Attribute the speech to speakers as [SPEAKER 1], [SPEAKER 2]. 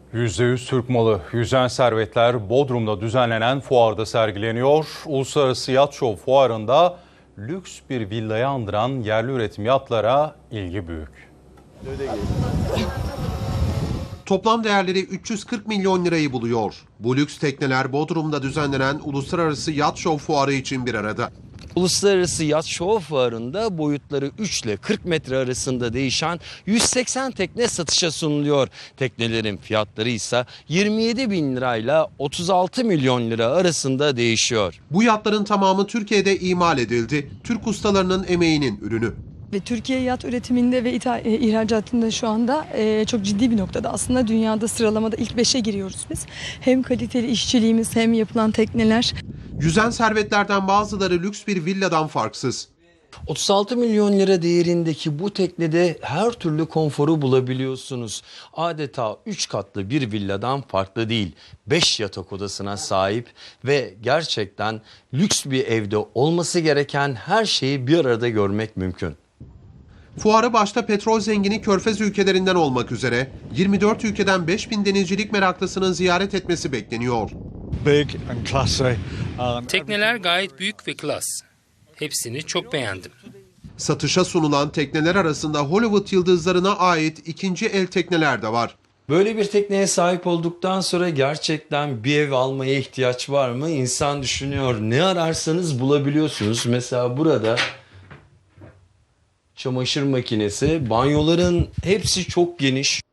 [SPEAKER 1] %100 Türk malı yüzen servetler Bodrum'da düzenlenen fuarda sergileniyor. Uluslararası Yat Show fuarında lüks bir villayı andıran yerli üretim yatlara ilgi büyük.
[SPEAKER 2] Toplam değerleri 340 milyon lirayı buluyor. Bu lüks tekneler Bodrum'da düzenlenen Uluslararası Yat Show fuarı için bir arada.
[SPEAKER 3] Uluslararası Yat Show Fuarı'nda boyutları 3 ile 40 metre arasında değişen 180 tekne satışa sunuluyor. Teknelerin fiyatları ise 27 bin lirayla 36 milyon lira arasında değişiyor.
[SPEAKER 2] Bu yatların tamamı Türkiye'de imal edildi. Türk ustalarının emeğinin ürünü.
[SPEAKER 4] Ve Türkiye yat üretiminde ve ihracatında şu anda çok ciddi bir noktada. Aslında dünyada sıralamada ilk 5'e giriyoruz biz. Hem kaliteli işçiliğimiz hem yapılan tekneler.
[SPEAKER 2] Yüzen servetlerden bazıları lüks bir villadan farksız.
[SPEAKER 3] 36 milyon lira değerindeki bu teknede her türlü konforu bulabiliyorsunuz. Adeta 3 katlı bir villadan farklı değil. 5 yatak odasına sahip ve gerçekten lüks bir evde olması gereken her şeyi bir arada görmek mümkün.
[SPEAKER 2] Fuarı başta petrol zengini Körfez ülkelerinden olmak üzere 24 ülkeden 5000 denizcilik meraklısının ziyaret etmesi bekleniyor.
[SPEAKER 5] Tekneler gayet büyük ve klas. Hepsini çok beğendim.
[SPEAKER 2] Satışa sunulan tekneler arasında Hollywood yıldızlarına ait ikinci el tekneler de var.
[SPEAKER 3] Böyle bir tekneye sahip olduktan sonra gerçekten bir ev almaya ihtiyaç var mı? İnsan düşünüyor. Ne ararsanız bulabiliyorsunuz. Mesela burada çamaşır makinesi, banyoların hepsi çok geniş.